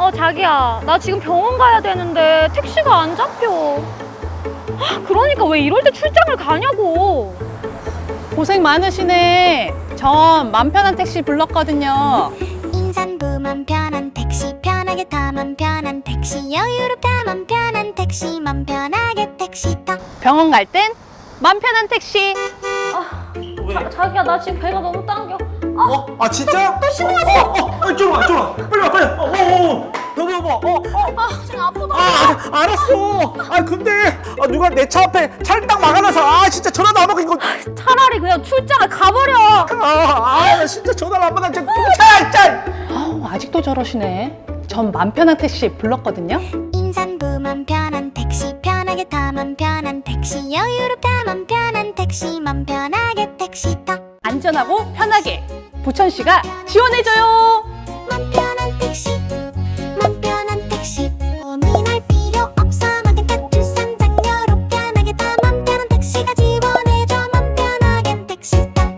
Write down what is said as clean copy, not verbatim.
자기야, 나 지금 병원 가야 되는데 택시가 안 잡혀. 그러니까 왜 이럴 때 출장을 가냐고. 고생 많으시네. 전 맘 편한 택시 불렀거든요. 인산부 맘 편한 택시 편하게 타면 편한 택시 여유롭다 맘 편한 택시 맘 편하게 택시 타 병원 갈 땐 맘 편한 택시. 자기야, 나 지금 배가 너무 당겨. 아 진짜? 또 신호왔어. 이쪽으로 와, 이쪽으로 와. 빨리 와, 빨리. 여보. 지금 아프다. 알았어. 근데 누가 내 차 앞에 차를 딱 막아놔서 진짜 전화도 안 받고 이거. 차라리 그냥 출장을 가버려. 나 진짜 전화를 안 받아. 진짜 짤. 아우, 아직도 저러시네. 전 맘 편한 택시 불렀거든요. 인산부 맘 편한 택시 편하게 타면 편한 택시 여유롭다 맘 편한 택시 맘 편하게 택시 타 안전하고 편하게 부천시가 지원해줘요. 맘 편한